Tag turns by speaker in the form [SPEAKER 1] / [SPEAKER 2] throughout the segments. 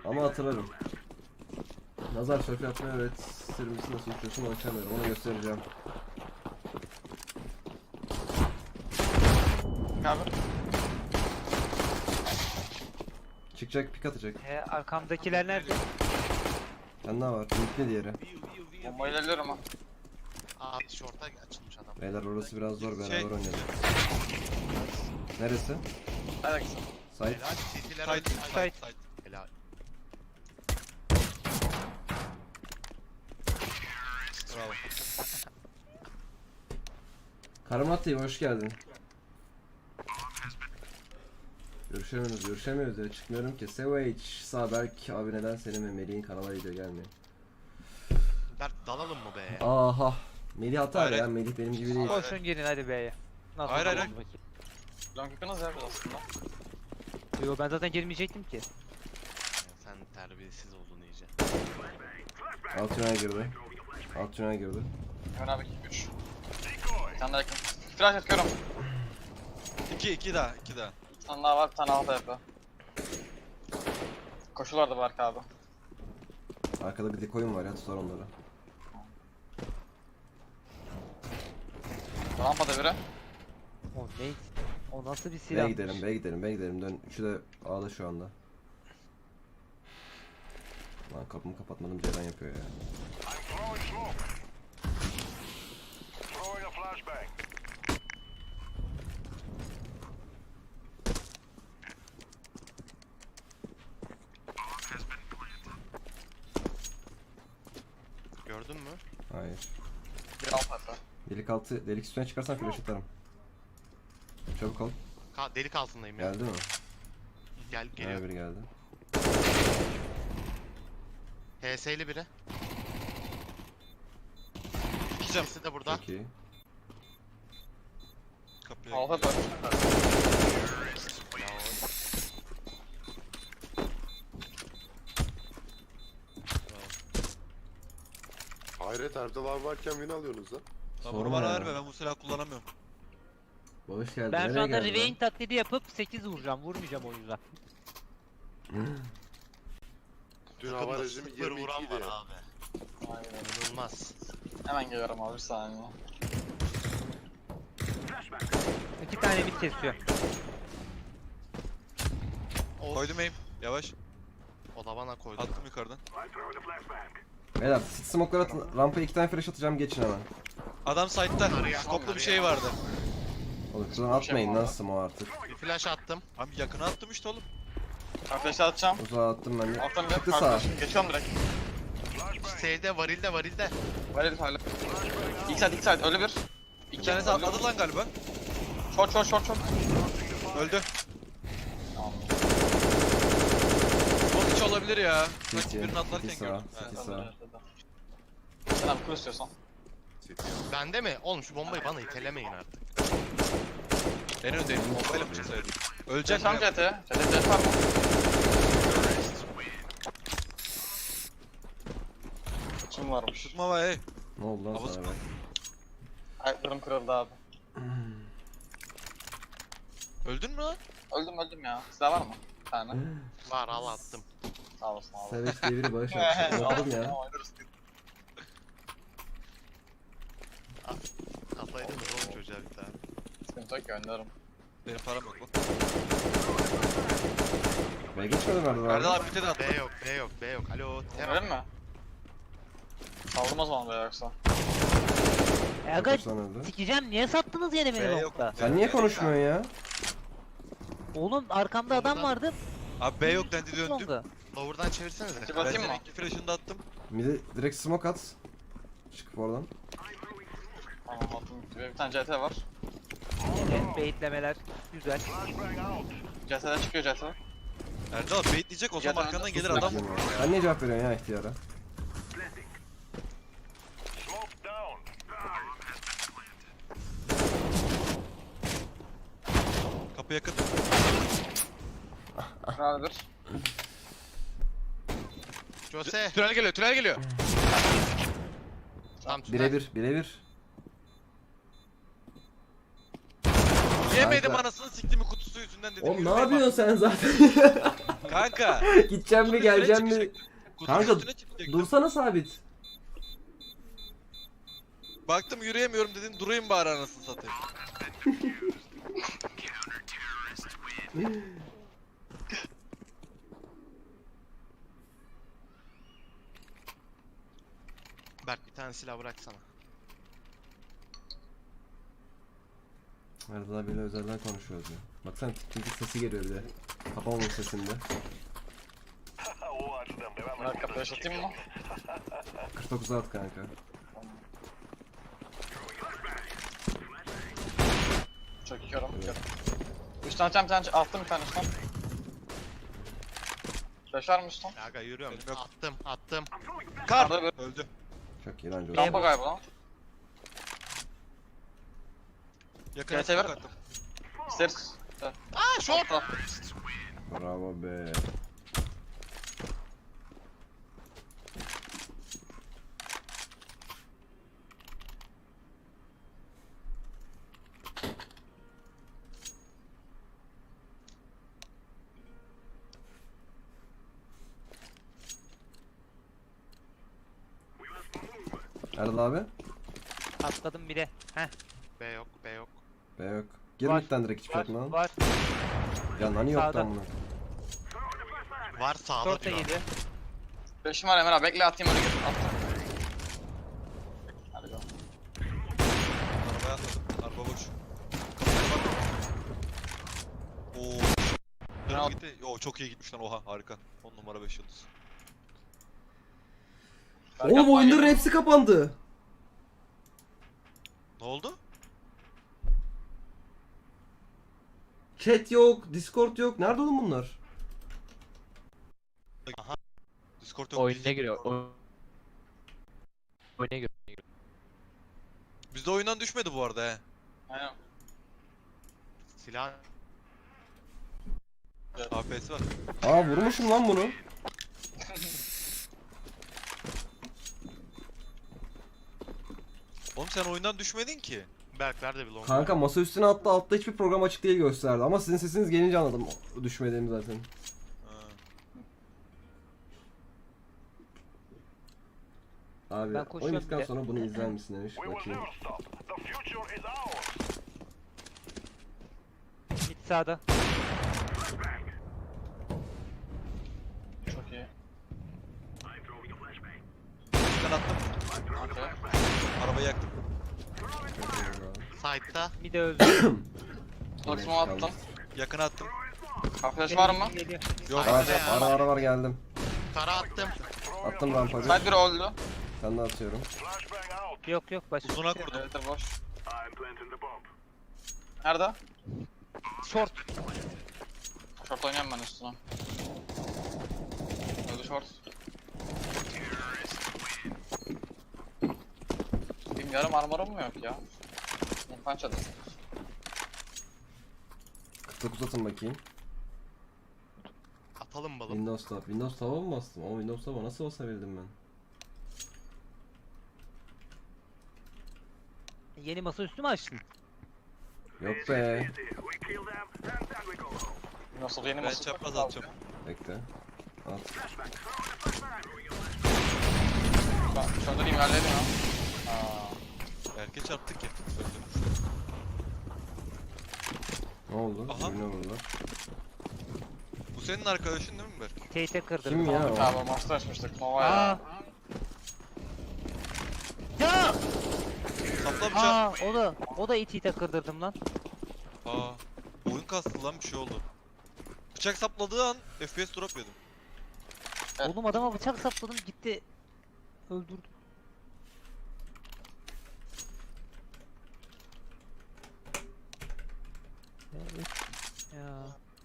[SPEAKER 1] Ama hatırlarım. Nazar şöp yapmayı öğret. Sırmısı nasıl uçuyorsun ölçemiyorum. Onu göstereceğim.
[SPEAKER 2] Abi.
[SPEAKER 1] Çıkacak, pik atacak.
[SPEAKER 3] Arkamdakiler nerede?
[SPEAKER 1] Sen daha var. Linkli diğeri.
[SPEAKER 2] Bombayla ölüyorum ha.
[SPEAKER 4] Aa short'a açılmış adam.
[SPEAKER 1] Beyler orası biraz zor. Beraber
[SPEAKER 5] Şey-
[SPEAKER 1] oynayalım. Neresi?
[SPEAKER 2] Hadi kızım.
[SPEAKER 1] Site.
[SPEAKER 4] Helal. CT'ler
[SPEAKER 5] Side,
[SPEAKER 4] öldü.
[SPEAKER 5] side, side.
[SPEAKER 4] Helal.
[SPEAKER 5] Bravo.
[SPEAKER 1] Karamatli hoş geldin. Görüşemiyoruz ya. Çıkmıyorum ki. Savage, Saberk abi neden senin ve Melih'in kanala video gelmiyor?
[SPEAKER 4] Berk dalalım mı be?
[SPEAKER 1] Aha. Melih atar
[SPEAKER 5] Hayır,
[SPEAKER 1] ya.
[SPEAKER 5] hayır.
[SPEAKER 1] Melih benim gibi değil.
[SPEAKER 3] Koşun girin hadi B'ye. Nasıl
[SPEAKER 5] Hayır, hayır,
[SPEAKER 3] oldu
[SPEAKER 5] hayır.
[SPEAKER 3] bakayım?
[SPEAKER 2] Long yakınız ya aslında.
[SPEAKER 3] Yo ben zaten girmeyecektim ki.
[SPEAKER 4] Sen terbiyesiz oldun iyice.
[SPEAKER 1] Alt tünel girdi. Alt tünel girdi.
[SPEAKER 2] Hemen abi 3. Bir tane daha yakın. Flash atıyorum.
[SPEAKER 5] 2 daha, 2 daha.
[SPEAKER 2] Bir tane daha var, bir tane alta yapıyor. Koşulardı Berk abi.
[SPEAKER 1] Arkada bir dekoyun var ya, tutar onları.
[SPEAKER 2] Rampada biri.
[SPEAKER 3] O ne? O nasıl bir silah?
[SPEAKER 1] B'ye gidelim, B'ye gidelim, B'ye gidelim. Dön. Üçü de A'da şu anda. Lan kapımı kapatmadım, Ceren yapıyor ya.
[SPEAKER 4] Gördün mü?
[SPEAKER 1] Hayır.
[SPEAKER 2] Bir alta yapıyor.
[SPEAKER 1] Delik altı, delik üstüne çıkarsan flash atarım. Çabuk ol.
[SPEAKER 4] Delik altındayım ya.
[SPEAKER 1] Geldi mi?
[SPEAKER 4] Gel geliyor.
[SPEAKER 1] Geliyor. Biri geldi.
[SPEAKER 4] HS'li biri.
[SPEAKER 5] İki cam.
[SPEAKER 4] İkisi de burada.
[SPEAKER 1] Çok iyi.
[SPEAKER 5] Kapıya
[SPEAKER 2] Alta yapıyor.
[SPEAKER 6] Hayret Erdal abi varken beni alıyorsunuz lan.
[SPEAKER 5] Tamam,
[SPEAKER 1] Sorma
[SPEAKER 5] bana
[SPEAKER 1] ya.
[SPEAKER 5] verme, ben bu silahı kullanamıyorum.
[SPEAKER 1] Hoş geldin.
[SPEAKER 3] Ben şu
[SPEAKER 1] Nereye
[SPEAKER 3] anda
[SPEAKER 1] geldin
[SPEAKER 3] Rivain taklidi yapıp 8 vuracağım. Vurmayacağım o yüzden.
[SPEAKER 6] Dün hava
[SPEAKER 4] Takımda
[SPEAKER 6] rejimi
[SPEAKER 4] 0 vuran
[SPEAKER 6] 22
[SPEAKER 4] var
[SPEAKER 6] idi.
[SPEAKER 4] abi.
[SPEAKER 2] Aynen.
[SPEAKER 4] İnanılmaz.
[SPEAKER 2] Hemen geliyorum abi bir saniye.
[SPEAKER 3] 2 tane mid kesiyor.
[SPEAKER 4] Of.
[SPEAKER 5] Koydum aim. Yavaş.
[SPEAKER 4] O da bana koydu.
[SPEAKER 5] Attım yukarıdan.
[SPEAKER 1] Beyler, smoke'lar atın. Rampaya 2 tane flash atacağım, geçin hemen.
[SPEAKER 5] Adam side'da.
[SPEAKER 4] Araya,
[SPEAKER 5] Skoplu bir
[SPEAKER 4] araya.
[SPEAKER 5] şey vardı.
[SPEAKER 1] Oğlum şuradan atmayın lan smoke artık.
[SPEAKER 4] Bir flash attım.
[SPEAKER 5] Abi yakına attım işte oğlum.
[SPEAKER 2] Ben flash'ı atacağım.
[SPEAKER 1] Uzağa attım ben de.
[SPEAKER 2] Alttan bir
[SPEAKER 1] Çıktı sağa.
[SPEAKER 2] karşı. Geçiyorum direkt.
[SPEAKER 4] Şeyde varilde.
[SPEAKER 2] Böyle bir hala. İlk side öyle bir.
[SPEAKER 5] Bir tanesi atladı lan galiba.
[SPEAKER 2] Short.
[SPEAKER 5] Öldü.
[SPEAKER 2] Tamam.
[SPEAKER 5] Çok hiç olabilir ya. Sanki
[SPEAKER 1] City,
[SPEAKER 5] birini atlarken
[SPEAKER 1] City
[SPEAKER 5] gördüm.
[SPEAKER 1] sağa,
[SPEAKER 5] He.
[SPEAKER 1] City sağa.
[SPEAKER 2] Sen abi kur istiyorsan.
[SPEAKER 4] Bende mi? Oğlum şu bombayı bana itelemeyin artık.
[SPEAKER 5] En öndeyim. Bombayla mı çıksaydım? Ölecek
[SPEAKER 2] Sen
[SPEAKER 5] mi?
[SPEAKER 2] CT. CT var mı? Kim varmış?
[SPEAKER 5] Tutma var hey.
[SPEAKER 1] Ne oldu lan
[SPEAKER 5] Havuz-
[SPEAKER 1] sana be?
[SPEAKER 2] Ayaklarım kırıldı abi.
[SPEAKER 5] Öldün mü lan?
[SPEAKER 2] Öldüm ya. Silah var mı? Bir tane.
[SPEAKER 4] Var al attım.
[SPEAKER 2] Sağ olasın abi.
[SPEAKER 1] Savage diye biri bağış yapmış. Okudum ya.
[SPEAKER 4] Kafayı da oğlum çocuğa bir tane.
[SPEAKER 2] Sıkıntı yok gönderirim.
[SPEAKER 5] Benim param yok lan.
[SPEAKER 1] Ve geçmedim Erdal
[SPEAKER 5] Erdal
[SPEAKER 1] abi.
[SPEAKER 5] abi bir de attı.
[SPEAKER 4] B yok. Alo.
[SPEAKER 2] Gönderirim mi? Saldım o zaman be yoksa.
[SPEAKER 3] Aga
[SPEAKER 1] Kaç tane öldü?
[SPEAKER 3] sikeceğim, niye sattınız yine
[SPEAKER 5] B
[SPEAKER 3] beni
[SPEAKER 5] yok.
[SPEAKER 3] nokta?
[SPEAKER 1] Sen niye konuşmuyorsun ya?
[SPEAKER 3] Oğlum arkamda adam vardı.
[SPEAKER 5] Abi B yok dendi
[SPEAKER 3] Ne
[SPEAKER 5] döndüm.
[SPEAKER 3] oldu?
[SPEAKER 4] Lower'dan çevirsenize.
[SPEAKER 2] Çık
[SPEAKER 5] Ben
[SPEAKER 2] atayım
[SPEAKER 5] senin
[SPEAKER 2] mı?
[SPEAKER 5] 2 flash'ını da attım.
[SPEAKER 1] Mide direkt smoke at. Çıkıp oradan.
[SPEAKER 2] Tamam attım. Bir tane CT var.
[SPEAKER 3] Evet, baitlemeler güzel.
[SPEAKER 2] CT'den çıkıyor CT.
[SPEAKER 5] Erdal abi baitleyecek o zaman
[SPEAKER 2] Yadan-
[SPEAKER 5] arkandan gelir adam
[SPEAKER 1] Bekliyorum
[SPEAKER 5] vurur
[SPEAKER 1] ya.
[SPEAKER 5] ya.
[SPEAKER 1] Sen niye cevap veriyorsun ya ihtiyara?
[SPEAKER 5] Kapı yakın.
[SPEAKER 2] Herhalde bir.
[SPEAKER 4] Jose.
[SPEAKER 5] Tünel geliyor.
[SPEAKER 4] Tam
[SPEAKER 1] Birebir.
[SPEAKER 5] Yemedim
[SPEAKER 1] Kanka.
[SPEAKER 5] anasını siktiğimi kutusu kutu yüzünden dedim.
[SPEAKER 1] Oğlum ne
[SPEAKER 5] yürümeyin
[SPEAKER 1] yapıyorsun sen zaten?
[SPEAKER 5] bak. Kanka.
[SPEAKER 1] Gideceğim mi
[SPEAKER 5] kutunun
[SPEAKER 1] geleceğim
[SPEAKER 5] üstüne
[SPEAKER 1] mi?
[SPEAKER 5] çıkacaktım. Kutunun
[SPEAKER 1] Kanka
[SPEAKER 5] üstüne çıkacaktım.
[SPEAKER 1] dursana sabit.
[SPEAKER 5] Baktım yürüyemiyorum dedin, durayım bari anasını satayım.
[SPEAKER 4] Berk bir tane silah bıraksana.
[SPEAKER 1] Erdal abiyle özelden konuşuyoruz ya. Baksana çünkü sesi geliyor bir de. Kapamamış sesinde.
[SPEAKER 2] Bunları kapıya atayım mı?
[SPEAKER 1] 49 at kanka.
[SPEAKER 2] Çekiyorum. Üstten bir tane attım bir tane üstten. Flash var mı üstten?
[SPEAKER 4] Aga yürüyorum.
[SPEAKER 5] Benim yok.
[SPEAKER 4] Attım.
[SPEAKER 5] Kar!
[SPEAKER 2] Arada bir
[SPEAKER 5] Öldü.
[SPEAKER 1] Çok iyi lan Joe.
[SPEAKER 2] rampa galiba lan.
[SPEAKER 5] Yakın
[SPEAKER 2] Gel, çevir.
[SPEAKER 5] attım.
[SPEAKER 2] İsteriz.
[SPEAKER 4] Aa short.
[SPEAKER 1] Bravo be. Erdal abi?
[SPEAKER 3] Atladım bile. Heh.
[SPEAKER 4] B yok.
[SPEAKER 1] Be yok. Gir
[SPEAKER 3] Var.
[SPEAKER 1] midden direkt hiçbir şey atma.
[SPEAKER 3] Var.
[SPEAKER 1] Ya nani yok
[SPEAKER 3] Sağda.
[SPEAKER 1] lan bunu.
[SPEAKER 4] Var sağda
[SPEAKER 3] Short da
[SPEAKER 4] diyor.
[SPEAKER 3] geliyor.
[SPEAKER 2] Flash'im var Emre abi bekle atayım öyle gir. Attım. Hadi go.
[SPEAKER 5] Arabaya atladım. Araba boş. Kapıya bak. Oo. Dönüp gitti. Yo çok iyi gitmiş lan, oha harika. 10 numara 5 yıldız.
[SPEAKER 1] Oğlum oyunların hepsi kapandı.
[SPEAKER 5] Ne oldu?
[SPEAKER 1] Chat yok, Discord yok. Nerede oğlum bunlar?
[SPEAKER 5] Discord yok.
[SPEAKER 7] Oyuna giriyor. Oyuna giriyor.
[SPEAKER 5] Bizde oyundan düşmedi bu arada he.
[SPEAKER 2] Aynen.
[SPEAKER 4] Silah.
[SPEAKER 5] APS var.
[SPEAKER 1] Aa vurmuşum lan bunu.
[SPEAKER 5] Oğlum sen oyundan düşmedin ki.
[SPEAKER 4] Berk nerede bir long?
[SPEAKER 1] Kanka masa üstüne attı, altta hiçbir program açık değil gösterdi. Ama sizin sesiniz gelince anladım düşmediğimi zaten.
[SPEAKER 5] Ha.
[SPEAKER 1] Abi
[SPEAKER 3] Ben
[SPEAKER 1] oyun
[SPEAKER 3] koşuyorum
[SPEAKER 1] bittikten
[SPEAKER 3] bile.
[SPEAKER 1] sonra bunu izler misin demiş. Bakayım.
[SPEAKER 3] Mid sağda.
[SPEAKER 2] Çok iyi.
[SPEAKER 5] Ben attım.
[SPEAKER 2] Okey.
[SPEAKER 5] Arabayı yaktım.
[SPEAKER 4] Side'da.
[SPEAKER 3] Mid de öldü.
[SPEAKER 2] Dox'umu attım.
[SPEAKER 5] Yakına attım.
[SPEAKER 2] Flash var mı?
[SPEAKER 3] Geliyor.
[SPEAKER 5] Yok.
[SPEAKER 1] Ara var geldim.
[SPEAKER 4] Kara attım.
[SPEAKER 1] Attım rampayı.
[SPEAKER 2] Side biri öldü.
[SPEAKER 1] Ben de atıyorum.
[SPEAKER 3] Yok başka.
[SPEAKER 5] Uzuna kurdum.
[SPEAKER 2] Evet boş. Nerede?
[SPEAKER 3] Short.
[SPEAKER 2] Short oynayan ben üstüne. Öldü short. Benim yarım armorum mu yok ya? Punch adım.
[SPEAKER 1] 49 atın bakayım.
[SPEAKER 4] Atalım balım.
[SPEAKER 1] Windows Tab. Windows Tab'a mı bastım? Ama Windows Tab'a nasıl basabildim ben?
[SPEAKER 3] Yeni masa üstü mü açtın?
[SPEAKER 1] Yok be.
[SPEAKER 2] Nasıl yeni
[SPEAKER 5] Ben
[SPEAKER 2] masa?
[SPEAKER 5] çapraz atacağım.
[SPEAKER 1] Bekle. At.
[SPEAKER 2] Şurada bir ilerleyelim ya.
[SPEAKER 5] Erke çarptık ya.
[SPEAKER 1] Ne oldu?
[SPEAKER 5] Aha.
[SPEAKER 1] Birine vurdular.
[SPEAKER 5] Bu senin arkadaşın değil mi Berk?
[SPEAKER 3] Tate'e kırdırdım.
[SPEAKER 1] Kim ya o?
[SPEAKER 2] Abi master açmıştık. Nova ya.
[SPEAKER 3] Aa. Ya!
[SPEAKER 5] Sapla bıçak.
[SPEAKER 3] Aa, o da ite kırdırdım lan.
[SPEAKER 5] Aa. Oyun kastı lan, bir şey oldu. Bıçak sapladığı an FPS drop yedim.
[SPEAKER 2] Evet.
[SPEAKER 3] Oğlum adama bıçak sapladım gitti. Öldürdüm. Evet. Ya.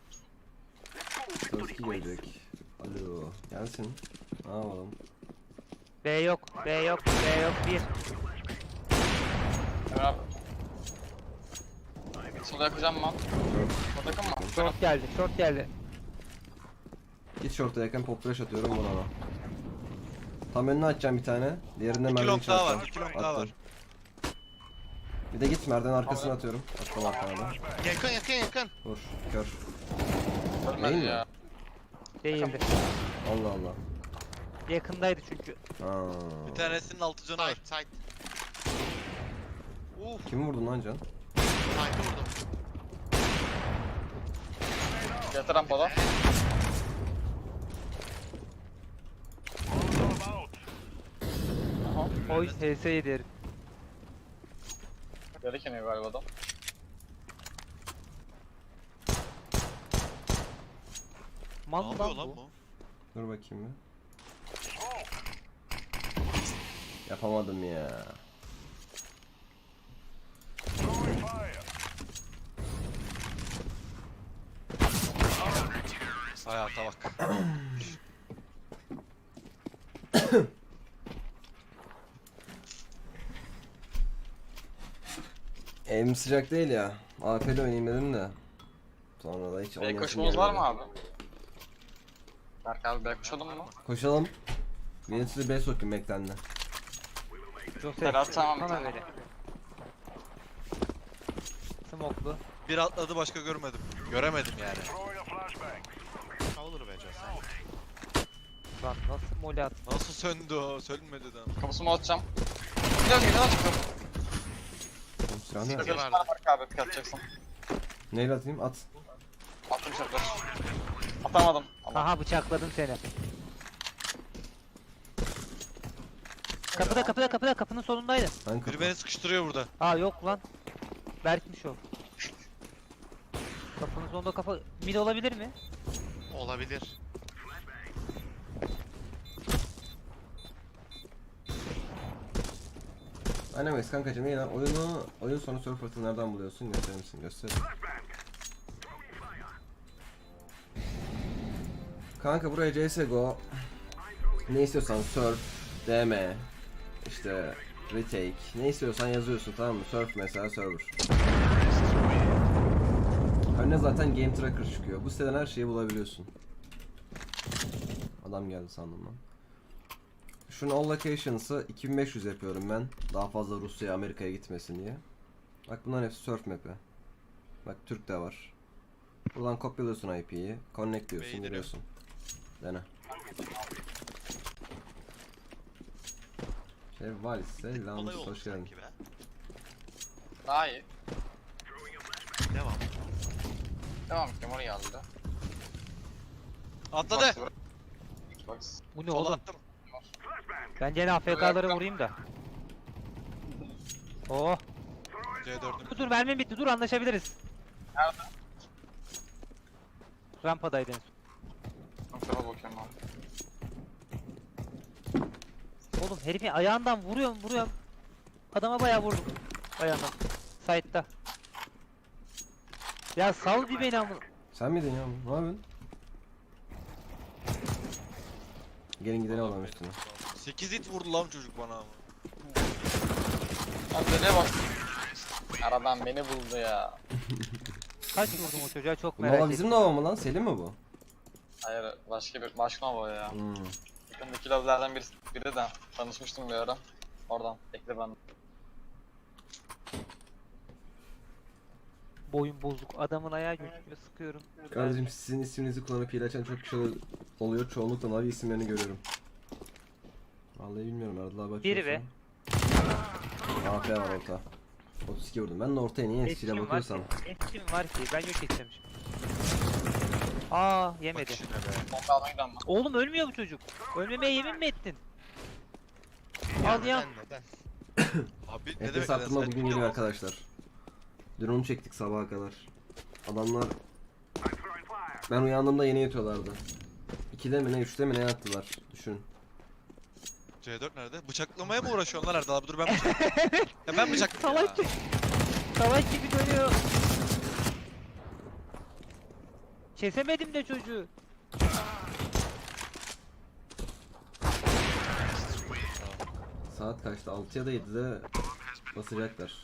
[SPEAKER 1] Sözki gelecek. Alo. Gelsin. Ne yapalım?
[SPEAKER 3] B yok. B yok. B yok. Bir.
[SPEAKER 2] Emre abi. Sola yakacağım ben. O takım mı?
[SPEAKER 3] Short geldi. Short geldi.
[SPEAKER 1] Git short'a yakın pop flash atıyorum buna ama. Tam önüne açacağım bir tane. Diğerinde
[SPEAKER 5] 2
[SPEAKER 1] mermi
[SPEAKER 5] long daha
[SPEAKER 1] atacağım.
[SPEAKER 5] var. 2 long daha var.
[SPEAKER 1] Bir de git merdiven arkasına atıyorum. Attım arkana da.
[SPEAKER 4] Yakın yakın yakın.
[SPEAKER 1] Vur. Kör.
[SPEAKER 2] Ölmedi
[SPEAKER 1] Değil mi?
[SPEAKER 2] ya.
[SPEAKER 3] Değildi.
[SPEAKER 1] Allah Allah.
[SPEAKER 3] Yakındaydı çünkü.
[SPEAKER 1] Aa.
[SPEAKER 5] Bir tanesinin 6 canı var.
[SPEAKER 4] Side side. Uf.
[SPEAKER 1] Kimi vurdun lan Can?
[SPEAKER 4] Side'ı vurdum.
[SPEAKER 2] Yeter rampada.
[SPEAKER 3] Oy HS yedi herif.
[SPEAKER 2] Geri keniyor galiba adam.
[SPEAKER 5] Ne
[SPEAKER 3] Mal
[SPEAKER 5] yapıyor
[SPEAKER 3] lan
[SPEAKER 5] lan
[SPEAKER 3] bu.
[SPEAKER 5] bu?
[SPEAKER 1] Dur bakayım bir. Yapamadım ya.
[SPEAKER 5] Hayata bak.
[SPEAKER 1] Evim sıcak değil ya. AP'li oynayayım dedim de. Sonra da hiç
[SPEAKER 2] B
[SPEAKER 1] oynayasım
[SPEAKER 2] koşmamız var
[SPEAKER 1] gelmedi.
[SPEAKER 2] mı abi? Berk abi B koşalım mı?
[SPEAKER 1] Koşalım. Beni size B sokayım beklendi.
[SPEAKER 3] Jose.
[SPEAKER 2] Ferhat tamam bir
[SPEAKER 3] Sana
[SPEAKER 2] tane.
[SPEAKER 3] böyle. Smoklu.
[SPEAKER 5] Bir atladı başka görmedim. Göremedim yani.
[SPEAKER 4] Olur be Jose.
[SPEAKER 3] Lan nasıl mole at.
[SPEAKER 5] Nasıl söndü o? Sönmedi de.
[SPEAKER 2] Kapısımı atacağım. Gidiyorum gidiyorum çıkıyorum.
[SPEAKER 1] Oğlum silah ne?
[SPEAKER 4] Siktir.
[SPEAKER 2] Beş tane Berk abi pik atacaksın.
[SPEAKER 1] Neyle atayım? At.
[SPEAKER 2] Attım şartlar. Atamadım. Ama
[SPEAKER 3] Aha bıçakladım seni. Kapıda kapının sonundaydı.
[SPEAKER 1] Ben
[SPEAKER 5] Biri
[SPEAKER 1] kapı.
[SPEAKER 5] beni sıkıştırıyor burada.
[SPEAKER 3] Aa yok lan. Berkmiş o. Kapının sonunda kafa mid olabilir mi?
[SPEAKER 4] Olabilir.
[SPEAKER 1] Anyways kankacım iyi lan. Oyun sonu surfer'ı nereden buluyorsun? Gösterir misin? Göster. Kanka buraya CSGO ne istiyorsan surf, DM, işte retake, ne istiyorsan yazıyorsun tamam mı? Surf mesela server. Önüne zaten game tracker çıkıyor. Bu siteden her şeyi bulabiliyorsun. Adam geldi sandım lan. Şunun all locations'ı 2500 yapıyorum ben. Daha fazla Rusya'ya, Amerika'ya gitmesin diye. Bak bunların hepsi surf map'i. Bak Türk de var. Buradan kopyalıyorsun IP'yi, connect diyorsun,
[SPEAKER 5] Beğenirim.
[SPEAKER 1] giriyorsun. Dene. Valis, selam,
[SPEAKER 4] Olay oldu
[SPEAKER 1] hoş geldin.
[SPEAKER 4] sanki be.
[SPEAKER 2] daha iyi.
[SPEAKER 4] Devam.
[SPEAKER 2] Devam ettim oraya geldi.
[SPEAKER 5] Atladı.
[SPEAKER 2] Xbox.
[SPEAKER 3] Bu ne
[SPEAKER 5] Sola
[SPEAKER 3] oğlum?
[SPEAKER 5] attım.
[SPEAKER 3] Ben gene AFK'ları vurayım da. Oh.
[SPEAKER 5] C4'üm.
[SPEAKER 3] Dur mermim bitti. Dur anlaşabiliriz.
[SPEAKER 2] Nerede?
[SPEAKER 3] Rampadaydı en son.
[SPEAKER 2] Kontrola bakıyorum abi.
[SPEAKER 3] Oğlum herifin ayağından vuruyorum. Adama bayağı vurdum. Ayağından. Side'da. Ya sal bir beni amına.
[SPEAKER 1] Sen miydin ya? Ne yapıyorsun? Gelin gidelim adam üstüne.
[SPEAKER 5] 8 hit vurdu lan çocuk bana ama.
[SPEAKER 2] Abi nereye bak. Aradan beni buldu ya.
[SPEAKER 3] Kaç vurdum o çocuğa çok
[SPEAKER 1] Bu
[SPEAKER 3] merak
[SPEAKER 1] Nova
[SPEAKER 3] ettim.
[SPEAKER 1] bizim Nova mı lan? Selim mi bu?
[SPEAKER 2] Hayır başka Nova ya.
[SPEAKER 1] Hmm.
[SPEAKER 2] Yakındaki lobilerden biri de tanışmıştım bir ara. Oradan ekle ben.
[SPEAKER 3] Boyun bozuk. Adamın ayağı gözüküyor. Sıkıyorum.
[SPEAKER 1] Kardeşim sizin isminizi kullanıp hile açan çok kişi oluyor. Çoğunlukla Navi isimlerini görüyorum. Vallahi bilmiyorum Erdal abi
[SPEAKER 3] Biri be.
[SPEAKER 1] AP var orta. 32 vurdum. Ben de ortaya niye
[SPEAKER 3] Etkim
[SPEAKER 1] silah
[SPEAKER 3] var
[SPEAKER 1] bakıyorsam.
[SPEAKER 3] ki. Etkim var ki. Ben yok edeceğim şimdi. Aa
[SPEAKER 5] Bak
[SPEAKER 3] yemedi.
[SPEAKER 5] işine be.
[SPEAKER 2] Bomba almaya giden ben.
[SPEAKER 3] Oğlum ölmüyor bu çocuk. Ölmemeye yemin mi ettin? Al ya.
[SPEAKER 4] Neden?
[SPEAKER 5] Abi ne demek
[SPEAKER 1] FPS arttırma
[SPEAKER 5] neden?
[SPEAKER 1] bugün geliyor arkadaşlar. Dün onu çektik sabaha kadar. Adamlar... Ben uyandığımda yeni yatıyorlardı. 2'de mi ne 3'te mi ne yattılar. Düşün.
[SPEAKER 5] C4 nerede? Bıçaklamaya mı uğraşıyorsun lan Erdal abi? Dur ben bıçaklayayım. Ya ben bıçaklayayım
[SPEAKER 3] Salak
[SPEAKER 5] ya.
[SPEAKER 3] gibi. Salak gibi dönüyor. Kesemedim de çocuğu.
[SPEAKER 1] Saat kaçtı? 6 ya da 7'de basacaklar.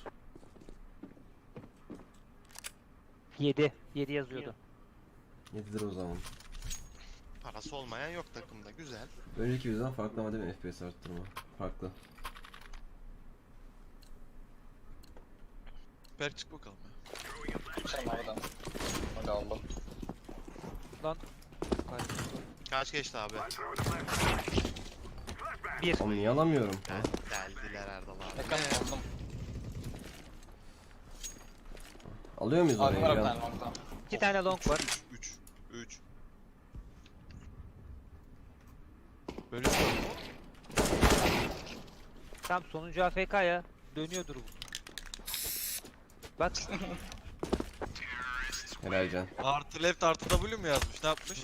[SPEAKER 3] 7 yazıyordu.
[SPEAKER 1] 7'dir o zaman.
[SPEAKER 4] Parası olmayan yok takımda. Güzel.
[SPEAKER 1] Önceki videodan farklı ama değil mi FPS arttırma? Farklı.
[SPEAKER 5] Alper çık bakalım ya.
[SPEAKER 2] Sen oradan. Hadi aldım.
[SPEAKER 3] Lan.
[SPEAKER 4] Kaç geçti abi?
[SPEAKER 3] 1.
[SPEAKER 1] Oğlum niye alamıyorum?
[SPEAKER 4] Geldiler Erdal abi.
[SPEAKER 2] Yakın aldım.
[SPEAKER 1] Alıyor muyuz
[SPEAKER 2] Abi
[SPEAKER 1] orayı?
[SPEAKER 2] var bir
[SPEAKER 1] Ya?
[SPEAKER 2] tane long'da.
[SPEAKER 3] 2 tane long var.
[SPEAKER 5] 3. Böyle
[SPEAKER 3] Tam sonuncu AFK ya. Dönüyordur bu. Bak.
[SPEAKER 1] Helal can.
[SPEAKER 5] artı left artı W mu yazmış? Ne yapmış?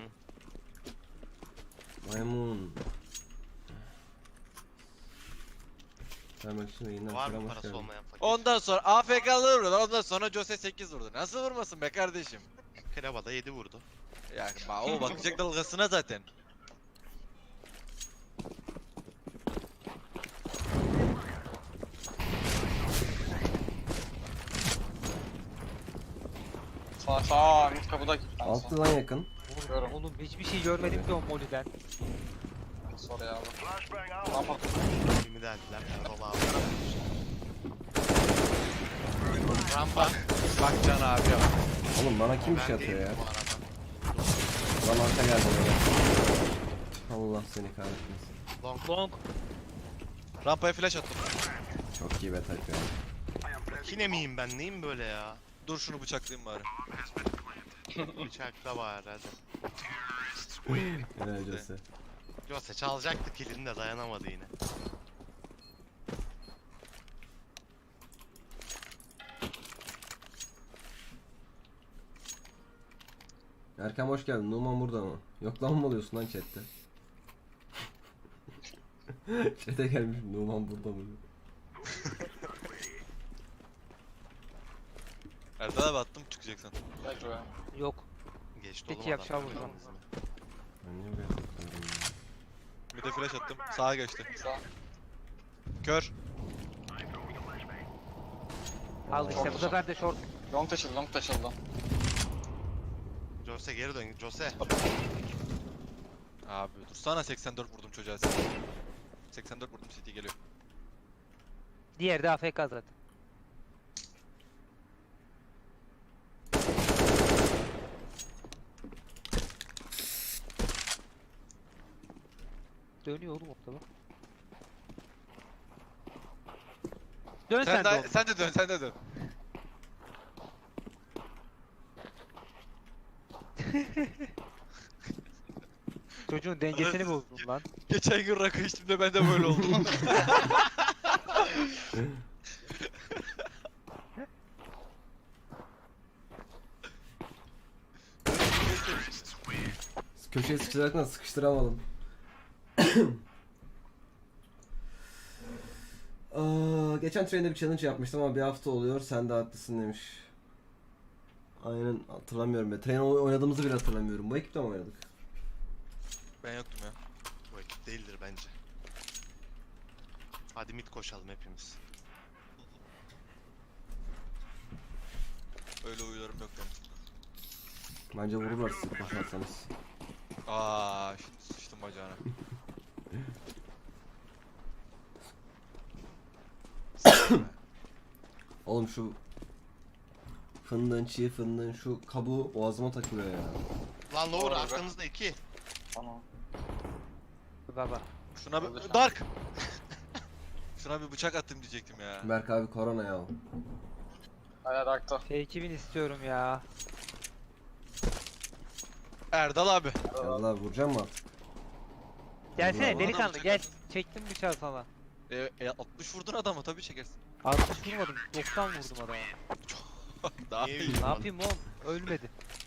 [SPEAKER 1] Maymun. Vermek için yayından
[SPEAKER 4] Var
[SPEAKER 1] selam,
[SPEAKER 4] mı
[SPEAKER 1] hoş
[SPEAKER 4] parası
[SPEAKER 1] geldin.
[SPEAKER 4] olmayan fakir?
[SPEAKER 5] Ondan sonra AFK'lı vurdu. Ondan sonra Jose 8 vurdu. Nasıl vurmasın be kardeşim?
[SPEAKER 4] Krava da 7 vurdu.
[SPEAKER 5] Yani o bakacak dalgasına zaten.
[SPEAKER 2] Sağ mid kapıda iki tanesi.
[SPEAKER 1] Altıdan yakın.
[SPEAKER 2] Vuruyorum.
[SPEAKER 3] Oğlum hiçbir şey görmedim ki o moliden.
[SPEAKER 2] Sorry abi. Rampa.
[SPEAKER 4] Kimi deldiler Erdal abi. Rampa.
[SPEAKER 5] Bak Can abi ya.
[SPEAKER 1] Oğlum bana kim bir
[SPEAKER 4] Ben
[SPEAKER 1] şey atıyor
[SPEAKER 4] değilim
[SPEAKER 1] ya?
[SPEAKER 4] bu arada.
[SPEAKER 1] Lan arka geldi böyle. Allah seni kahretmesin.
[SPEAKER 4] Long.
[SPEAKER 3] Long.
[SPEAKER 5] Rampaya flash attım.
[SPEAKER 1] Çok iyi bet atıyor.
[SPEAKER 4] Yine miyim ben? Neyim böyle ya?
[SPEAKER 5] Dur şunu bıçaklayayım bari.
[SPEAKER 4] Bıçakla var hadi.
[SPEAKER 1] Helal Jose.
[SPEAKER 4] Jose çalacaktı kilini de dayanamadı yine.
[SPEAKER 1] Erkan hoş geldin. Numan burada mı? Yok lan mı oluyorsun lan chatte? Chat'e gelmiş Numan burada mı? diyor.
[SPEAKER 5] Erdal abi attım çıkacaksın.
[SPEAKER 2] Bekle be.
[SPEAKER 3] Yok.
[SPEAKER 4] Geçti
[SPEAKER 3] Peki,
[SPEAKER 4] oğlum
[SPEAKER 3] yakışa
[SPEAKER 4] adam.
[SPEAKER 3] vuracağım.
[SPEAKER 1] Ben niye buraya tıklıyorum ya?
[SPEAKER 5] Bir de flash attım. Sağa geçti.
[SPEAKER 2] Sağ.
[SPEAKER 5] Kör.
[SPEAKER 3] Al işte bu sefer de short.
[SPEAKER 2] Long taşıldı, long taşıldı.
[SPEAKER 4] Jose geri dön. Jose.
[SPEAKER 5] Abi dur sana 84 vurdum çocuğa. 84 vurdum CT geliyor.
[SPEAKER 3] Diğeri de AFK zaten. Dönüyor oğlum ortada. Dön sen, de oğlum.
[SPEAKER 5] Sen de dön sen de dön.
[SPEAKER 3] Çocuğun dengesini bozdun lan.
[SPEAKER 5] Geçen gün rakı içtiğimde ben de böyle oldum.
[SPEAKER 1] Köşeye sıkıştırarak sıkıştıramadım. Geçen train'de bir challenge yapmıştım ama bir hafta oluyor. Sen de haklısın demiş. Aynen hatırlamıyorum. Train oynadığımızı bile hatırlamıyorum. Bu ekipte mi oynadık?
[SPEAKER 5] Ben yoktum ya.
[SPEAKER 4] Bu ekip değildir bence. Hadi mid koşalım hepimiz.
[SPEAKER 5] Öyle uyularım yok benim.
[SPEAKER 1] Bence vururlar sizi koşarsanız.
[SPEAKER 5] Aa, şimdi sıçtım bacağına.
[SPEAKER 1] Oğlum şu fındığın, çiğ fındığın şu kabuğu boğazıma takılıyor ya.
[SPEAKER 4] Lan lower
[SPEAKER 2] Doğru,
[SPEAKER 4] arkanızda 2.
[SPEAKER 2] Tamam.
[SPEAKER 3] Baba.
[SPEAKER 5] Şuna
[SPEAKER 2] Öldür
[SPEAKER 5] bir
[SPEAKER 2] sen.
[SPEAKER 5] Dark. Şuna bir bıçak attım diyecektim ya.
[SPEAKER 1] Berk abi korona ya.
[SPEAKER 2] Hala darkta.
[SPEAKER 3] F2000 istiyorum ya.
[SPEAKER 5] Erdal abi.
[SPEAKER 1] Yallah abi vuracağım mı artık?
[SPEAKER 3] Gelsene
[SPEAKER 1] Bravo.
[SPEAKER 3] delikanlı gel. Çektim bıçağı sana.
[SPEAKER 5] 60 vurdun adamı tabii çekersin.
[SPEAKER 3] 60 vurmadım. 90 vurdum adama.
[SPEAKER 5] Daha
[SPEAKER 4] Niye
[SPEAKER 5] iyi.
[SPEAKER 4] vurdun?
[SPEAKER 3] Ne yapayım oğlum? Ölmedi.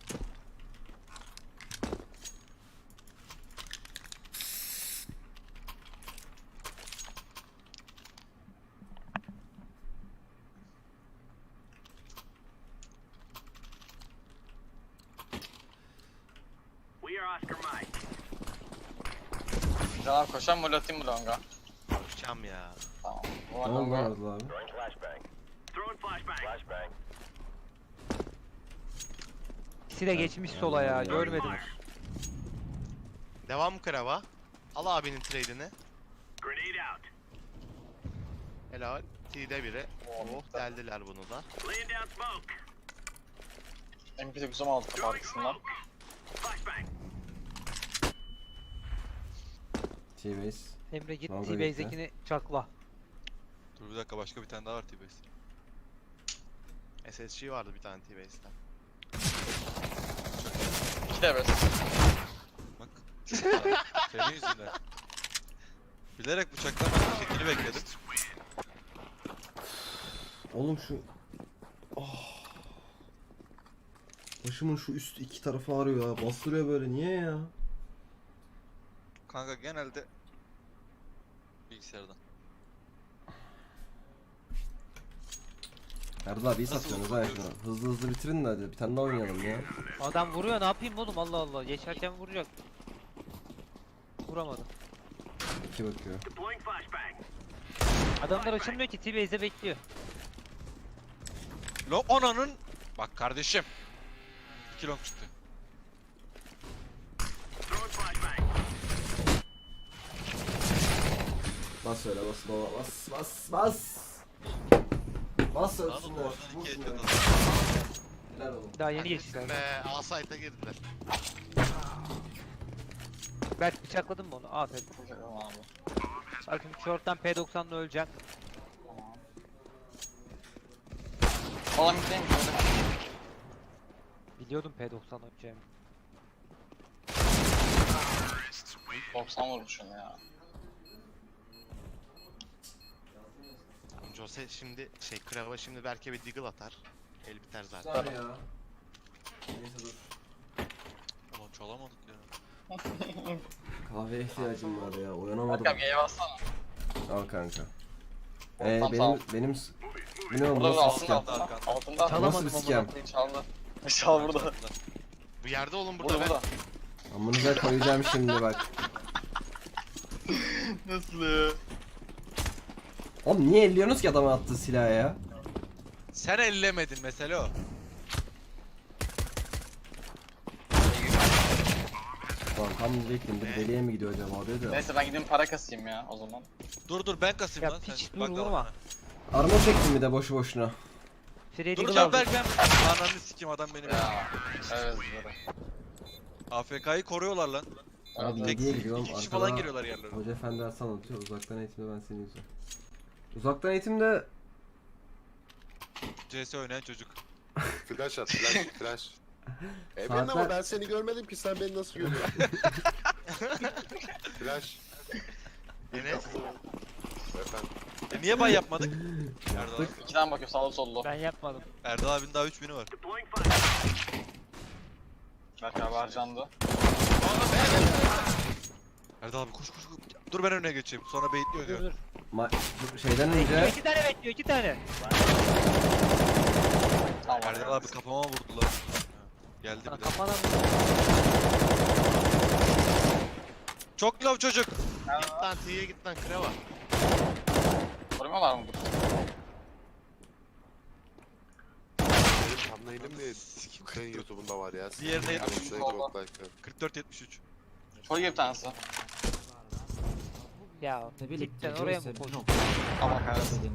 [SPEAKER 2] Can abi koşan mı atayım mı longa?
[SPEAKER 4] Koşacağım ya.
[SPEAKER 2] Tamam.
[SPEAKER 1] Ne
[SPEAKER 2] Ulan
[SPEAKER 1] oldu
[SPEAKER 2] longa.
[SPEAKER 1] lan Erdal abi?
[SPEAKER 3] İkisi de geçmiş sola ya. Görmedim.
[SPEAKER 4] Devam krava. Al abinin trade'ini. Helal. T'de biri. Oh deldiler bunu da.
[SPEAKER 2] MP9 güzel aldı kapı arkasından.
[SPEAKER 1] T-base.
[SPEAKER 3] Emre git
[SPEAKER 1] Longa
[SPEAKER 3] T-Base'dekini çakla.
[SPEAKER 5] Dur bir dakika, başka bir tane daha var T-Base.
[SPEAKER 4] SSG vardı bir tane T-Base'de.
[SPEAKER 2] 2 de evet.
[SPEAKER 5] Bak. Senin yüzünden. Bilerek bıçaklama şekli bekledim.
[SPEAKER 1] Oğlum şu... Oh. Başımın şu üst iki tarafı ağrıyor ya. Bastırıyor böyle. Niye ya?
[SPEAKER 5] Kanka genelde bilgisayardan.
[SPEAKER 1] Erdal abi iyi
[SPEAKER 5] Nasıl
[SPEAKER 1] satıyorsunuz ha
[SPEAKER 5] bakıyorsun?
[SPEAKER 1] şunu. Hızlı hızlı bitirin de hadi. Bir tane daha oynayalım ya.
[SPEAKER 3] Adam vuruyor, ne yapayım oğlum, Allah Allah. Geçerken vuracak. Vuramadım.
[SPEAKER 1] İki bakıyor.
[SPEAKER 3] Adamlar açılmıyor ki, T-Base'de bekliyor.
[SPEAKER 5] Lo ananın. Bak kardeşim. 2 long çıktı.
[SPEAKER 1] Bas öyle bas baba bas bas bas. Bas
[SPEAKER 5] Anladın
[SPEAKER 1] ölsünler.
[SPEAKER 5] mı? Oradan
[SPEAKER 1] Vur
[SPEAKER 5] 2
[SPEAKER 1] şunları.
[SPEAKER 5] etmedi.
[SPEAKER 1] Helal oğlum.
[SPEAKER 3] Daha yeni geçtiler.
[SPEAKER 4] Be A-Site'a girdiler.
[SPEAKER 3] Berk bıçakladın mı onu? Aferin.
[SPEAKER 2] Güzel abi.
[SPEAKER 3] Bakın short'tan P90'la öleceğim.
[SPEAKER 2] Falan gideyim şöyle.
[SPEAKER 3] Biliyordum P90 öleceğimi.
[SPEAKER 2] 90 vurmuşum ya.
[SPEAKER 4] Jose şimdi Krava şimdi belki bir deagle atar. El biter zaten.
[SPEAKER 1] Güzel ya. Neyse dur.
[SPEAKER 5] Ulan çalamadık ya.
[SPEAKER 1] Kahveye ihtiyacım var ya. Uyanamadım.
[SPEAKER 2] Berk abi G'ye bassana.
[SPEAKER 1] Al kanka.
[SPEAKER 2] Tamam, sağ ol.
[SPEAKER 1] Benim bu ne oğlum
[SPEAKER 2] Burada da
[SPEAKER 1] nasıl
[SPEAKER 2] altında
[SPEAKER 1] sikem?
[SPEAKER 2] altında. Altında.
[SPEAKER 3] Çalamadım
[SPEAKER 1] Nasıl bir
[SPEAKER 3] amına
[SPEAKER 1] scam?
[SPEAKER 3] koyayım.
[SPEAKER 2] Çaldı. Çal burada.
[SPEAKER 4] Bu yerde olun burada,
[SPEAKER 2] Burada
[SPEAKER 4] ben.
[SPEAKER 2] burada.
[SPEAKER 1] Amınıza koyacağım şimdi bak.
[SPEAKER 2] Nasıl ya?
[SPEAKER 1] Oğlum niye elliyorsunuz ki adama attığı silahı ya?
[SPEAKER 5] Sen ellemedin mesele o.
[SPEAKER 1] Lan tam diyecektim bir deliye mi gidiyor acaba dedi.
[SPEAKER 2] Neyse ben gideyim para kasayım ya o zaman.
[SPEAKER 5] Dur ben kasayım
[SPEAKER 3] Ya
[SPEAKER 5] lan.
[SPEAKER 3] piç,
[SPEAKER 5] Sen
[SPEAKER 3] dur,
[SPEAKER 5] bak
[SPEAKER 3] vurma.
[SPEAKER 5] vurma.
[SPEAKER 1] Armor çektim bir de boşu boşuna.
[SPEAKER 3] Freddy
[SPEAKER 5] Dur
[SPEAKER 3] Glove
[SPEAKER 5] lan
[SPEAKER 3] aldı.
[SPEAKER 5] Berk, ben ananı sikeyim, adam benim.
[SPEAKER 2] Ya. Evet böyle.
[SPEAKER 5] AFK'yı koruyorlar lan.
[SPEAKER 1] Abi
[SPEAKER 2] Evet.
[SPEAKER 1] diye giriyorum.
[SPEAKER 5] İki kişi
[SPEAKER 1] arkada
[SPEAKER 5] falan giriyorlar yerlerine.
[SPEAKER 1] Hoca efendi ders anlatıyor. Uzaktan eğitimde ben seni izliyorum. Uzaktan eğitimde
[SPEAKER 5] CS oynayan çocuk.
[SPEAKER 6] Flash at flash flash. Ben
[SPEAKER 1] Saatler-
[SPEAKER 6] ama ben seni görmedim ki sen beni nasıl görüyorsun? Flash.
[SPEAKER 4] Enes.
[SPEAKER 6] Efendim.
[SPEAKER 5] Niye bay yapmadık? Erdal abi.
[SPEAKER 2] 2'den bakıyor sağlı sollu.
[SPEAKER 3] Ben yapmadım.
[SPEAKER 5] Erdal abinin daha 3000'i var.
[SPEAKER 2] Berk abi harcandı.
[SPEAKER 5] Erdal abi koş. Dur ben önüne geçeyim. Sonra baitliyor
[SPEAKER 3] Dur
[SPEAKER 5] diyor.
[SPEAKER 3] dur.
[SPEAKER 1] şeyden
[SPEAKER 3] Bekliyor,
[SPEAKER 1] önce
[SPEAKER 3] 2 tane bekliyor, 2 tane.
[SPEAKER 2] Tamam.
[SPEAKER 5] Erdal abi kafama vurdular. Geldi
[SPEAKER 3] Sana
[SPEAKER 5] bir de.
[SPEAKER 3] kafana vur.
[SPEAKER 5] Çok lav çocuk.
[SPEAKER 4] Git lan T'ye git lan Krava.
[SPEAKER 2] Korumuyorlar mı bunu?
[SPEAKER 6] Benim thumbnail'im de senin YouTube'unda var ya.
[SPEAKER 5] Diğerine
[SPEAKER 6] Yoksa
[SPEAKER 5] yetmiş.
[SPEAKER 6] çok like.
[SPEAKER 5] 44-73.
[SPEAKER 2] Çok iyi bir tanesi.
[SPEAKER 3] Ya cidden oraya mı koydun?
[SPEAKER 2] Allah kahretsin.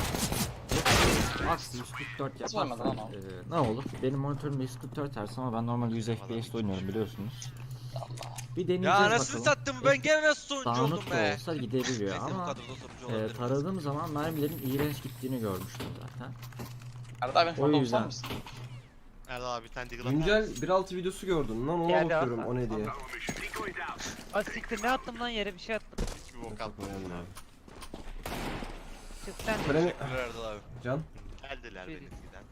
[SPEAKER 7] Max 144
[SPEAKER 2] Nasıl vermedi lan
[SPEAKER 7] yaparsan ne olur? Benim monitörüm 144 Hz ama ben normal 100 FPS oynuyorum biliyorsunuz. Bir deneyeceğiz
[SPEAKER 5] Ya
[SPEAKER 7] bakalım.
[SPEAKER 5] anasını sattım, ben gene nasıl sonucu oldum
[SPEAKER 7] Dağınık da
[SPEAKER 5] be.
[SPEAKER 7] olsa gidebiliyor
[SPEAKER 5] Neyse bu
[SPEAKER 7] ama
[SPEAKER 5] kadroda sonucu olabilirim.
[SPEAKER 7] taradığım zaman mermilerin iğrenç gittiğini görmüştüm zaten.
[SPEAKER 2] Arada abi
[SPEAKER 7] O
[SPEAKER 2] şurada
[SPEAKER 7] yüzden.
[SPEAKER 2] olsar mısın?
[SPEAKER 4] Erdal abi bir tane deagle atar.
[SPEAKER 1] güncel 1.6 videosu gördün lan ona
[SPEAKER 3] Geldi,
[SPEAKER 1] bakıyorum
[SPEAKER 3] at,
[SPEAKER 1] o ne
[SPEAKER 3] at,
[SPEAKER 1] diye.
[SPEAKER 3] Az siktir, ne attım lan yere, bir şey attım.
[SPEAKER 4] Hiçbir bok atma.
[SPEAKER 1] Koyalım abi.
[SPEAKER 3] Çık sen.
[SPEAKER 1] Freni
[SPEAKER 5] Teşekkürler Erdal abi.
[SPEAKER 1] Can.
[SPEAKER 4] Geldiler
[SPEAKER 3] Bir-
[SPEAKER 4] benimkiden.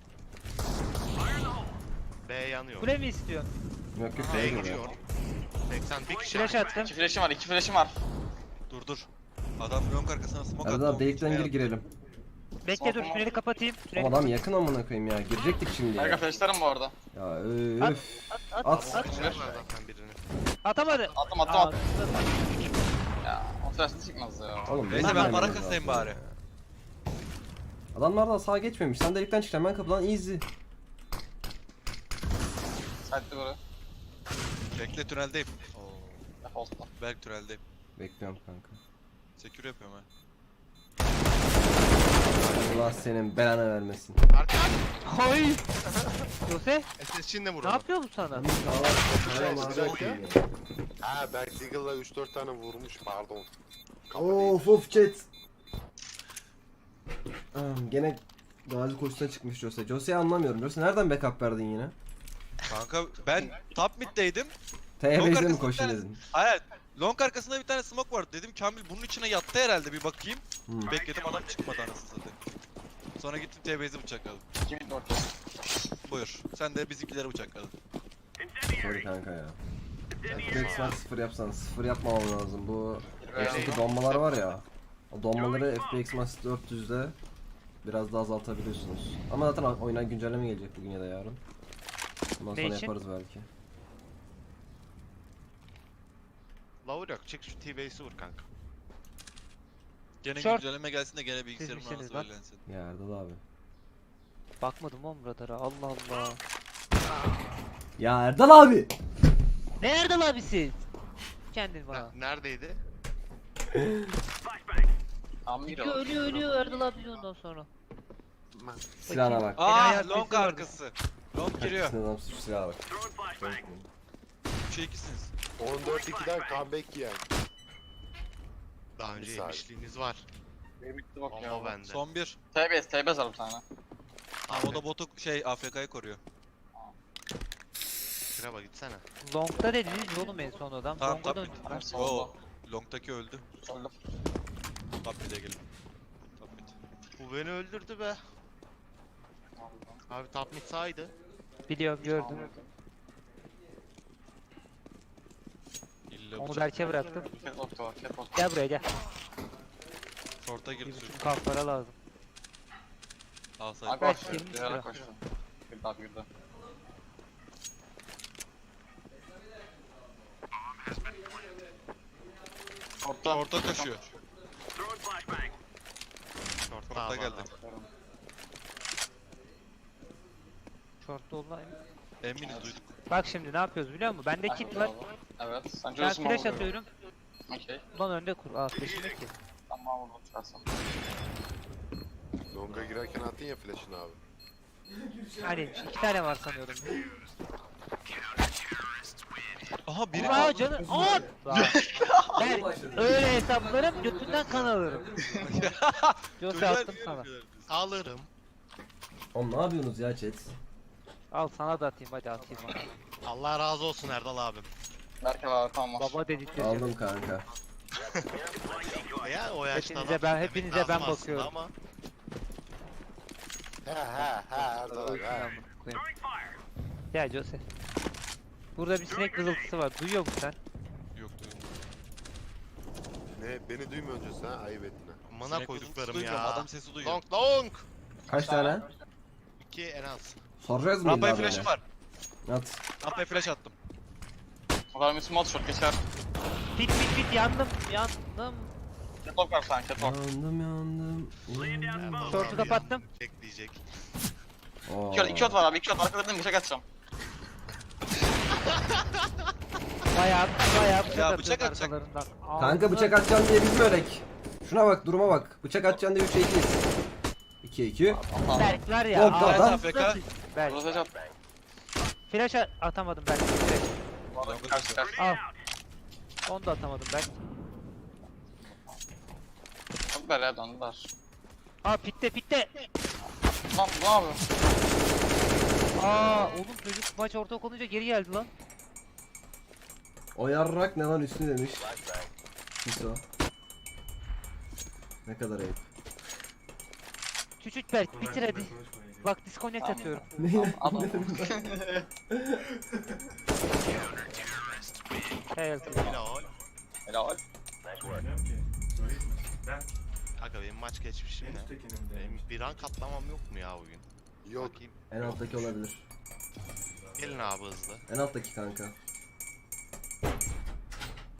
[SPEAKER 4] B yanıyor.
[SPEAKER 3] Kule mi istiyorsun?
[SPEAKER 1] Yok yok
[SPEAKER 4] B
[SPEAKER 1] değil mi?
[SPEAKER 4] gidiyor. 80 bir kişi.
[SPEAKER 3] Flash attım.
[SPEAKER 2] 2 flash'im var, 2 flash'im var.
[SPEAKER 5] Dur. Adam long arkasına smoke attı.
[SPEAKER 1] Erdal abi delikten gir girelim.
[SPEAKER 3] Bekle dur, tüneli kapatayım. Tüneli
[SPEAKER 1] Ama adam yakın amına koyayım ya. Girecektik şimdi
[SPEAKER 2] Berk
[SPEAKER 1] ya.
[SPEAKER 2] abi flash'larım bu arada.
[SPEAKER 1] Ya
[SPEAKER 3] At,
[SPEAKER 1] öf.
[SPEAKER 3] at,
[SPEAKER 1] At.
[SPEAKER 3] at.
[SPEAKER 4] Var zaten birini.
[SPEAKER 3] Atamadı.
[SPEAKER 2] Attım.
[SPEAKER 3] Aa,
[SPEAKER 2] Ya o flash'ı çıkmaz ya.
[SPEAKER 1] Oğlum
[SPEAKER 5] Neyse
[SPEAKER 1] benim
[SPEAKER 5] ben
[SPEAKER 1] de
[SPEAKER 5] para
[SPEAKER 1] yemem
[SPEAKER 5] kasayım
[SPEAKER 1] lazım
[SPEAKER 5] bari.
[SPEAKER 1] ya. Adamlar da sağa geçmemiş. Sen delikten çıkacaksın ben kapıdan easy.
[SPEAKER 2] Sight'li böyle.
[SPEAKER 5] Bekle tüneldeyim. Oo.
[SPEAKER 2] Default'ta.
[SPEAKER 5] Berk tüneldeyim.
[SPEAKER 1] Bekliyorum kanka.
[SPEAKER 5] Secure yapıyorum ha.
[SPEAKER 1] Allah senin belanı vermesin.
[SPEAKER 4] Arka.
[SPEAKER 3] Hay. Jose
[SPEAKER 4] SSC'nin de
[SPEAKER 3] ne
[SPEAKER 4] vurdu.
[SPEAKER 3] yapıyor bu sana?
[SPEAKER 6] Ha Berk Deagle'la 3-4 tane vurmuş pardon. Kafa
[SPEAKER 1] Of of chat. Gene gazi koşusuna çıkmış Jose. Jose'yi anlamıyorum. Jose nereden backup verdin yine?
[SPEAKER 5] Kanka ben top mid'deydim.
[SPEAKER 1] TB'de mi
[SPEAKER 5] arkasında
[SPEAKER 1] koşun
[SPEAKER 5] bir tane-
[SPEAKER 1] dedin?
[SPEAKER 5] Hayır. Long arkasında bir tane smoke vardı. Dedim Kamil bunun içine yattı herhalde bir bakayım.
[SPEAKER 1] Hmm.
[SPEAKER 5] Bekledim adam çıkmadı anasını satayım. Sonra gittim TB'yi bıçakladım.
[SPEAKER 2] 2 mid orta.
[SPEAKER 5] Buyur. Sen de bizimkileri bıçakladın.
[SPEAKER 1] Sorry kanka ya. FPX var 0 yapsan 0 yapmamam lazım. Bu F2 donmalar var ya. O donmaları FPX Max 400'de biraz daha azaltabiliyorsunuz. Ama zaten oyuna güncelleme gelecek bugün ya da yarın. Ondan
[SPEAKER 3] Ne
[SPEAKER 1] sonra
[SPEAKER 3] için?
[SPEAKER 1] yaparız belki.
[SPEAKER 4] Lavur yok. Çık şu T-Base'i vur kanka.
[SPEAKER 5] Gene
[SPEAKER 3] Short.
[SPEAKER 5] güncelleme gelsin de gene bilgisayarım
[SPEAKER 3] misiniz
[SPEAKER 5] nasıl
[SPEAKER 3] lan?
[SPEAKER 5] öğrensin.
[SPEAKER 1] Ya Erdal abi.
[SPEAKER 3] Bakmadım oğlum radara. Allah Allah.
[SPEAKER 1] Ya Erdal abi!
[SPEAKER 3] Nerede abi siz? Kendin bana.
[SPEAKER 4] Neredeydi?
[SPEAKER 2] Amir
[SPEAKER 3] Ölüyor ölüyor Erdal abi ondan sonra.
[SPEAKER 1] Silahına bak.
[SPEAKER 3] hayat
[SPEAKER 5] Aa long
[SPEAKER 3] sesi vardı.
[SPEAKER 5] arkası. Long giriyor.
[SPEAKER 1] Sinir adamsın şu silaha bak.
[SPEAKER 5] 3'e 2'siniz.
[SPEAKER 6] 14-2'den comeback yiyen.
[SPEAKER 4] Daha önce
[SPEAKER 6] Bir saniye.
[SPEAKER 4] yemişliğiniz var.
[SPEAKER 2] Benim bitti bak
[SPEAKER 4] Ama
[SPEAKER 2] ya.
[SPEAKER 4] bende.
[SPEAKER 5] Son bir.
[SPEAKER 2] TBS var bir tane.
[SPEAKER 5] Abi o da botu AFK'yı koruyor.
[SPEAKER 4] Kraba gitsene.
[SPEAKER 3] Long'da dediniz oğlum en son adam.
[SPEAKER 5] Tamam,
[SPEAKER 3] Long'a
[SPEAKER 5] tabii.
[SPEAKER 3] döndük.
[SPEAKER 2] Hepsi
[SPEAKER 5] Oo.
[SPEAKER 2] oldu.
[SPEAKER 5] Long'taki öldü.
[SPEAKER 2] Öldüm.
[SPEAKER 5] Top mid'e gelin. Top mid.
[SPEAKER 4] Bu beni öldürdü be. Abi top mid sağydı.
[SPEAKER 3] Biliyorum gördüm.
[SPEAKER 5] İlla
[SPEAKER 3] Onu
[SPEAKER 5] bıçak.
[SPEAKER 3] Berk'e bıraktım.
[SPEAKER 2] Cat orta var. Cat orta.
[SPEAKER 3] Gel buraya gel.
[SPEAKER 5] Short'a
[SPEAKER 3] Bir
[SPEAKER 5] girdi
[SPEAKER 3] buçuk
[SPEAKER 5] çocuk.
[SPEAKER 3] kalklara lazım.
[SPEAKER 5] Alsaydı.
[SPEAKER 2] Abi
[SPEAKER 3] Kaç
[SPEAKER 2] koştu.
[SPEAKER 3] girmiş
[SPEAKER 2] Bir ara
[SPEAKER 3] lira?
[SPEAKER 2] koştu. Bir daha girdi. Orta.
[SPEAKER 5] Short'a koşuyor.
[SPEAKER 4] Short'ta
[SPEAKER 5] Short'a
[SPEAKER 4] abi
[SPEAKER 5] geldi.
[SPEAKER 4] adam.
[SPEAKER 3] Short'ta olan.
[SPEAKER 5] Eminiz duyduk.
[SPEAKER 3] Bak şimdi ne yapıyoruz biliyor musun? Bende kit var.
[SPEAKER 2] Evet. Sen
[SPEAKER 3] Ben
[SPEAKER 2] çözüyorsun
[SPEAKER 3] flash
[SPEAKER 2] onu.
[SPEAKER 3] atıyorum.
[SPEAKER 2] Okey.
[SPEAKER 3] Ulan önde kur. Aa flash'im yok ki.
[SPEAKER 2] Tamam vurdum çıkarsam.
[SPEAKER 6] Longa girerken attın ya flash'ını abi.
[SPEAKER 3] Hani 2 tane var sanıyordum.
[SPEAKER 5] Aha biri
[SPEAKER 3] Aa canı. Aa! Ben öyle hesaplarım götünden kan alırım. Jose attım sana.
[SPEAKER 4] Alırım.
[SPEAKER 1] Oğlum ne yapıyorsunuz ya chat?
[SPEAKER 3] Al sana da atayım hadi atayım bana.
[SPEAKER 4] Allah razı olsun Erdal abim.
[SPEAKER 2] Berke var tamam var.
[SPEAKER 3] Baba dedirteceğim.
[SPEAKER 1] Aldım kanka.
[SPEAKER 4] Ya o yaşta
[SPEAKER 3] Hepinize
[SPEAKER 4] laf
[SPEAKER 3] ben-
[SPEAKER 4] demek
[SPEAKER 3] hepinize
[SPEAKER 4] lazım
[SPEAKER 3] ben
[SPEAKER 4] aslında
[SPEAKER 3] bakıyorum.
[SPEAKER 4] Ama
[SPEAKER 6] He Erdal abi he.
[SPEAKER 3] Amına koyayım. Ya Jose. Burada bir sinek vızıltısı var. Duyuyor musun sen?
[SPEAKER 5] Yok duydum.
[SPEAKER 6] Ne beni duymuyor önce sen ayıp ettin ha.
[SPEAKER 4] amına
[SPEAKER 5] Sinek
[SPEAKER 4] koyduklarım
[SPEAKER 5] vızıltısı duymuyorum,
[SPEAKER 4] ya.
[SPEAKER 5] adam sesi duyuyor.
[SPEAKER 4] Long long.
[SPEAKER 1] Kaç tane?
[SPEAKER 4] 2 en az.
[SPEAKER 1] Soracağız mı
[SPEAKER 5] Rampaya
[SPEAKER 1] illa
[SPEAKER 5] flash'ım
[SPEAKER 1] böyle?
[SPEAKER 5] var.
[SPEAKER 1] At.
[SPEAKER 5] Rampaya flash attım.
[SPEAKER 2] O kadar small shot geçer.
[SPEAKER 3] Pit pit pit yandım yandım.
[SPEAKER 2] Catwalk var sen catwalk.
[SPEAKER 1] Yandım yandım.
[SPEAKER 4] Erdal
[SPEAKER 3] Short'u
[SPEAKER 4] abi
[SPEAKER 3] kapattım.
[SPEAKER 4] bekleyecek.
[SPEAKER 1] Oo.
[SPEAKER 2] 2 shot var abi 2 shot. Arkalarından bıçak atacağım.
[SPEAKER 3] Bayağı bıçak
[SPEAKER 5] Ya,
[SPEAKER 3] atıyorsun
[SPEAKER 5] bıçak atacak.
[SPEAKER 3] arkalarından.
[SPEAKER 1] Kanka
[SPEAKER 3] Ağzına-
[SPEAKER 1] bıçak atacaksın diye biz mi ölek? Şuna bak duruma bak. Bıçak atacaksın diye 3'e 2'yiz. 2'ye 2.
[SPEAKER 2] Allah.
[SPEAKER 3] Berk var ya.
[SPEAKER 1] Yok,
[SPEAKER 3] ağzına
[SPEAKER 1] adam.
[SPEAKER 5] AFK.
[SPEAKER 3] Berk.
[SPEAKER 2] Burası shot.
[SPEAKER 3] Flash atamadım Berk.
[SPEAKER 2] Bu arada karşı karşı.
[SPEAKER 3] Al. Onu da atamadım Berk.
[SPEAKER 2] Çok böyle döndüler.
[SPEAKER 3] Aa pitte pitte.
[SPEAKER 2] Lan ne yapıyor?
[SPEAKER 3] Aa oğlum çocuk maç ortak olunca geri geldi lan.
[SPEAKER 1] O yarrak ne lan üstü demiş. Hiso. Ne kadar ayıp.
[SPEAKER 3] Küçük Berk bitir hadi. Bak disconnect atıyorum.
[SPEAKER 1] Ne?
[SPEAKER 2] Adam.
[SPEAKER 3] Helal.
[SPEAKER 4] Helal.
[SPEAKER 2] Helal.
[SPEAKER 4] Kanka benim maç geçmişim ne? Benim bir rank atlamam yok mu ya bugün?
[SPEAKER 6] Yok.
[SPEAKER 4] Bakayım.
[SPEAKER 1] En alttaki olabilir.
[SPEAKER 4] Gelin abi hızlı.
[SPEAKER 1] En alttaki kanka.